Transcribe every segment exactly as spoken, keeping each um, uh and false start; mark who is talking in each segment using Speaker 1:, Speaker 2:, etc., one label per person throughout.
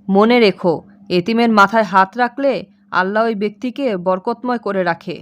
Speaker 1: মনে রেখো, এতিমের মাথায় হাত রাখলে আল্লাহ ওই ব্যক্তিকে বরকতময় করে রাখে।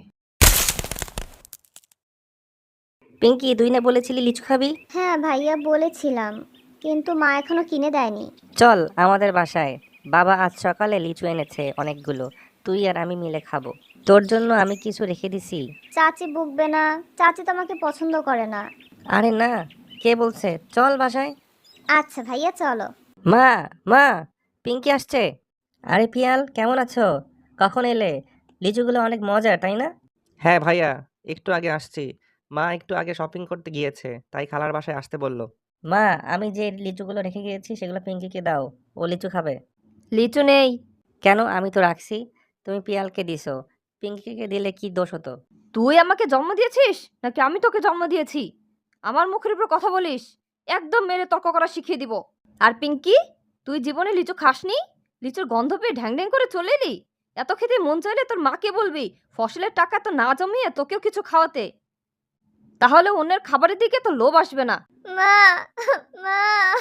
Speaker 2: পিঙ্কি, তুই না বলেছিলি লিচু খাবি?
Speaker 3: হ্যাঁ ভাইয়া বলেছিলাম, কিন্তু মা এখনো কিনে দেয়নি।
Speaker 2: চল আমাদের বাসায়, বাবা আজ সকালে লিচু এনেছে অনেকগুলো, তুই আর আমি মিলে খাবো। তোর জন্য আমি কিছু রেখে দিছি।
Speaker 3: চাচি বকবে না? চাচি তো আমাকে পছন্দ করে না।
Speaker 2: আরে না, কে বলছে? চল বাসায়।
Speaker 3: আচ্ছা ভাইয়া চলো।
Speaker 2: মা, মা, পিঙ্কি আসছে। আরে পিয়াল, কেমন আছো? কখন এলে? লিচুগুলো অনেক মজা, তাই না?
Speaker 4: হ্যাঁ ভাইয়া, একটু আগে আসছি। মা একটু আগে শপিং করতে গিয়েছে, তাই খালার বাসায় আসতে বললো।
Speaker 2: মা, আমি যে লিচুগুলো রেখে গিয়েছি সেগুলো পিঙ্কিকে দাও, ও লিচু খাবে।
Speaker 1: লিচু নেই।
Speaker 2: কেন? আমি তো রাখছি। তুমি পিয়ালকে দিছো, পিঙ্কিকে দিলে কি দোষ হতো?
Speaker 1: তুই আমাকে জন্ম দিয়েছিস নাকি আমি তোকে জন্ম দিয়েছি? আমার মুখের উপর কথা বলিস, একদম মেরে তর্ক করা শিখিয়ে দিব। আর পিঙ্কি, তুই জীবনে লিচু খাসনি? লিচুর গন্ধ পেয়ে ঢ্যাং ঢ্যাং করে চলে এলি? এত খেতে মন চাইলে তোর মাকে বলবি ফসলের টাকা তো না জমিয়ে তোকেও কিছু খাওয়াতে। তাহলে অন্যের খাবারের দিকে তো লোভ আসবে না।
Speaker 3: মা, মা।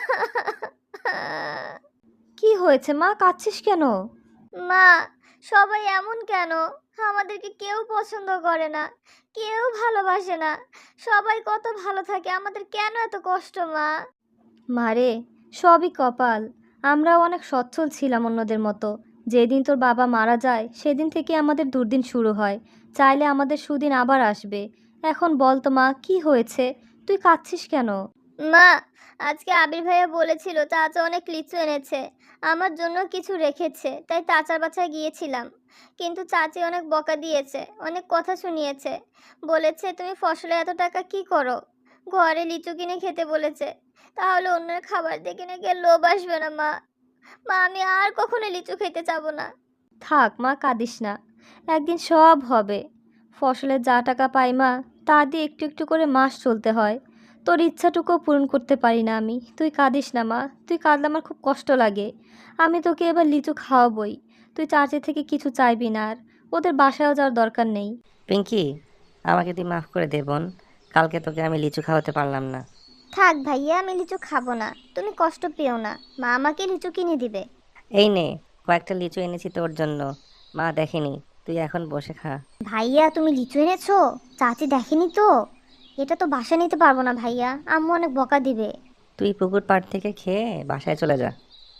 Speaker 1: কি হয়েছে মা, কাঁদছিস কেন?
Speaker 3: মা, সবাই এমন কেন? আমাদেরকে কেউ পছন্দ করে না, কেউ ভালোবাসে না। সবাই কত ভালো থাকে, আমাদের কেন এত কষ্ট মা?
Speaker 5: মারে, সবই কপাল। আমরাও অনেক সচ্ছল ছিলাম অন্যদের মতো। যেদিন তোর বাবা মারা যায় সেদিন থেকে আমাদের দুর্দিন শুরু হয়। চাইলে আমাদের সুদিন আবার আসবে। এখন বল তো মা, কি হয়েছে? তুই কাঁদছিস কেন?
Speaker 3: মা, আজকে আবির ভাইয়া বলেছিল চাচা অনেক লিচু এনেছে, আমার জন্য কিছু রেখেছে, তাই চাচার বাসায় গিয়েছিলাম। কিন্তু চাচি অনেক বকা দিয়েছে, অনেক কথা শুনিয়েছে। বলেছে তুমি ফসলে এত টাকা কি করো, ঘরে লিচু কিনে খেতে বলেছে। তাহলে অন্যের খাবার দেখে নাকি আর লোভ আসবে না মা? মা, আমি আর কখনো লিচু খেতে চাবো না।
Speaker 5: থাক মা, কাঁদিস না। একদিন সব হবে। ফসলের যা টাকা পাই মা, তা দিয়ে একটু একটু করে মাস চলতে হয়। তোর ইচ্ছাটুকুও পূরণ করতে পারি না আমি। তুই কাঁদিস না মা, তুই কাঁদলে আমার খুব কষ্ট লাগে। আমি তোকে এবার লিচু খাওয়াবই। তুই চাচি থেকে কিছু চাইবি না আর। ওদের বাসায়ও যাওয়ার দরকার নেই।
Speaker 2: পিঙ্কি, আমাকে তুই মাফ করে দে বোন। কালকে তোকে আমি লিচু খাওয়াতে পারলাম না।
Speaker 3: থাক ভাইয়া, আমি লিচু খাবো না, তুমি কষ্ট পেও না। মা আমাকে লিচু কিনে দিবে।
Speaker 2: এই নে, কয়েকটা লিচু এনেছি তোর জন্য। মা দেখেনি, তুই এখন বসে খা।
Speaker 3: ভাইয়া তুমি লিচু এনেছো? চাচি দেখেনি তো? এটা তো বাসা নিতে পারবো না ভাইয়া, আম্মু অনেক বকা দিবে।
Speaker 2: তুই পুকুর পাড় থেকে খেয়ে বাসায় চলে যা।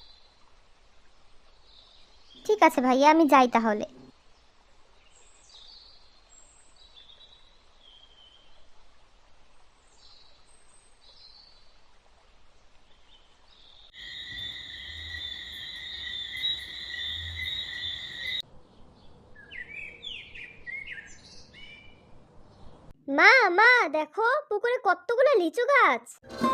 Speaker 3: ঠিক আছে ভাইয়া, আমি যাই তাহলে। মা, মা দেখো পুকুরে কতগুলো লিচু গাছ।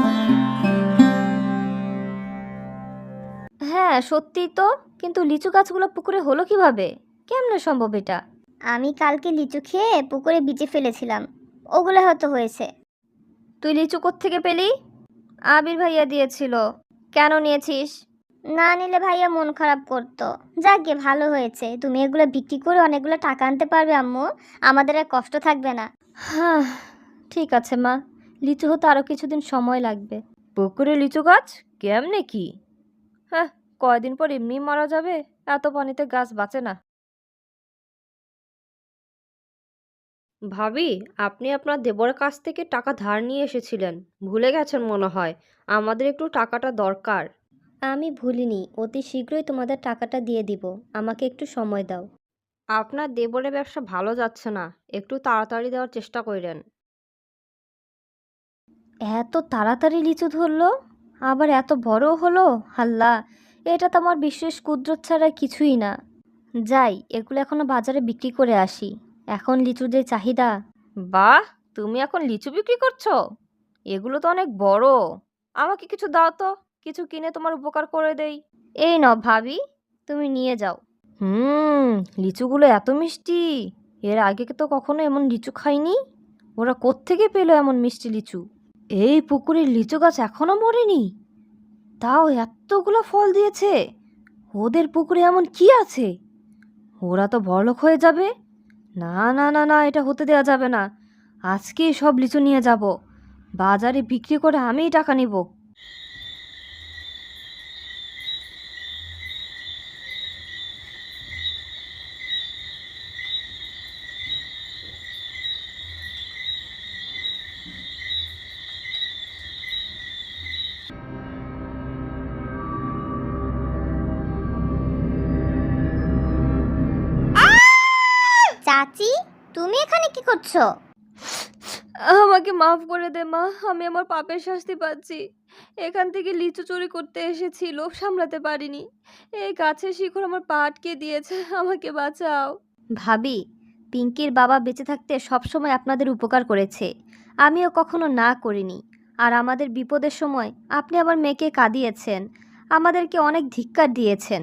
Speaker 5: হ্যাঁ সত্যিই তো। কিন্তু লিচু গাছগুলো পুকুরে হলো কিভাবে? কেমনে সম্ভব এটা?
Speaker 3: আমি কালকে লিচু খেয়ে পুকুরে বিচে ফেলেছিলাম, ওগুলো হয়তো হয়েছে।
Speaker 5: তুই লিচু কোত্থেকে পেলি? আবির ভাইয়া দিয়েছিল। কেন নিয়েছিস?
Speaker 3: না নিলে ভাইয়া মন খারাপ করতো। যাকগে ভালো হয়েছে, তুমি এগুলো বিক্রি করে অনেকগুলো টাকা আনতে পারবে আম্মু, আমাদের আর কষ্ট থাকবে না।
Speaker 5: হ্যাঁ, ঠিক আছে মা। লিচু হতে আরও কিছুদিন সময় লাগবে।
Speaker 1: পুকুরে লিচু গাছ? কেমনে কি? হ্যাঁ, কয়দিন পর এমনি মারা যাবে। এত পানিতে গাছ বাঁচে না। ভাবি, আপনি আপনার দেবরের কাছ থেকে টাকা ধার নিয়ে এসেছিলেন, ভুলে গেছেন মনে হয়। আমাদের একটু টাকাটা দরকার।
Speaker 5: আমি ভুলিনি, অতি শীঘ্রই তোমাদের টাকাটা দিয়ে দিব। আমাকে একটু সময় দাও।
Speaker 1: আপনার দেবরের ব্যবসা ভালো যাচ্ছে না, একটু তাড়াতাড়ি দেওয়ার চেষ্টা করেন।
Speaker 5: এত তাড়াতাড়ি লিচু ধরলো, আবার এত বড় হলো! হাল্লা, এটা তো আমার বিশেষ কুদরত ছাড়া কিছুই না। যাই, এগুলো এখনো বাজারে বিক্রি করে আসি। এখন লিচুর যে চাহিদা!
Speaker 1: বাহ, তুমি এখন লিচু বিক্রি করছো? এগুলো তো অনেক বড়। আমাকে কিছু দাও তো, কিছু কিনে তোমার উপকার করে দেই।
Speaker 5: এই নাও ভাবি, তুমি নিয়ে যাও।
Speaker 1: হুম, লিচুগুলো এত মিষ্টি। এর আগে তো কখনো এমন লিচু খাইনি। ওরা কোত্থেকে পেলো এমন মিষ্টি লিচু? এই পুকুরের লিচু গাছ এখনো মরেনি, তাও এতগুলো ফল দিয়েছে। ওদের পুকুরে এমন কি আছে? ওরা তো বড়লোক হয়ে যাবে। না না না না, এটা হতে দেওয়া যাবে না। আজকেই সব লিচু নিয়ে যাব, বাজারে বিক্রি করে আমিই টাকা নিব।
Speaker 3: এখানে কি করছো?
Speaker 5: আমাকে মাফ করে দে মা, আমি আমার পাপের শাস্তি পাচ্ছি। এখান থেকে লিচু চুরি করতে এসেছি, লোভ সামলাতে পারিনি। এই গাছের শিকড় আমার পা আটকে দিয়েছে, আমাকে বাঁচাও।
Speaker 1: ভাবি, পিঙ্কির বাবা বেঁচে থাকতে সবসময় আপনাদের উপকার করেছে, আমিও কখনো না করিনি। আর আমাদের বিপদের সময় আপনি আমার মেয়েকে কাঁদিয়েছেন, আমাদেরকে অনেক ধিক্কার দিয়েছেন।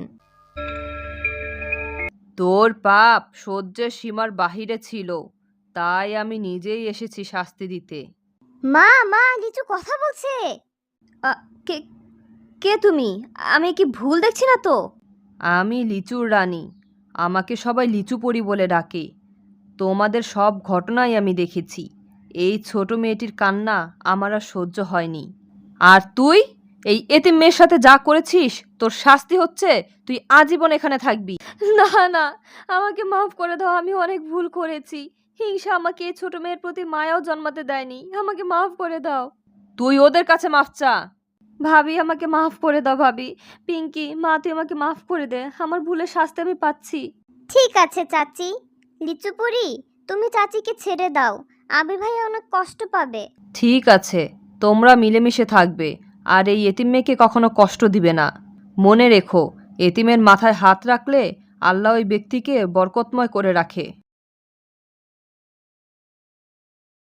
Speaker 6: তোর পাপ সহ্যের সীমার বাহিরে ছিল, তাই আমি নিজেই এসেছি শাস্তি দিতে।
Speaker 3: মা মা লিচু কথা বলছে।
Speaker 1: আ, কে কে তুমি? আমি কি ভুল দেখছি না তো?
Speaker 6: আমি লিচুর রানী, আমাকে সবাই লিচু পরি বলে ডাকে। তোমাদের সব ঘটনাই আমি দেখেছি। এই ছোট মেয়েটির কান্না আমার আর সহ্য হয়নি। আর তুই এই এতিম মেয়ের সাথে যা করেছিস, তোর শাস্তি হচ্ছে তুই আজীবন এখানে থাকবি।
Speaker 5: না না, আমাকে মাফ করে দাও, আমি অনেক ভুল করেছি। হিংসা আমাকে এই ছোট মেয়ের প্রতি মায়াও জন্মাতে দেয়নি, আমাকে মাফ করে দাও।
Speaker 6: তুই ওদের কাছে মাফ চা।
Speaker 5: ভাবি, আমাকে মাফ করে দাও ভাবি। পিঙ্কি, মা তুই আমাকে মাফ করে দে, আমার ভুলের শাস্তি আমি পাচ্ছি।
Speaker 3: ঠিক আছে চাচি। লিচু পরি, তুমি চাচিকে ছেড়ে দাও, আবির ভাইয়া অনেক কষ্ট পাবে।
Speaker 6: ঠিক আছে, তোমরা মিলেমিশে থাকবে আর এই এতিম মেয়েকে কখনো কষ্ট দিবে না। মনে রেখো, এতিমের মাথায় হাত রাখলে আল্লাহ ওই ব্যক্তিকে বরকতময় করে রাখে।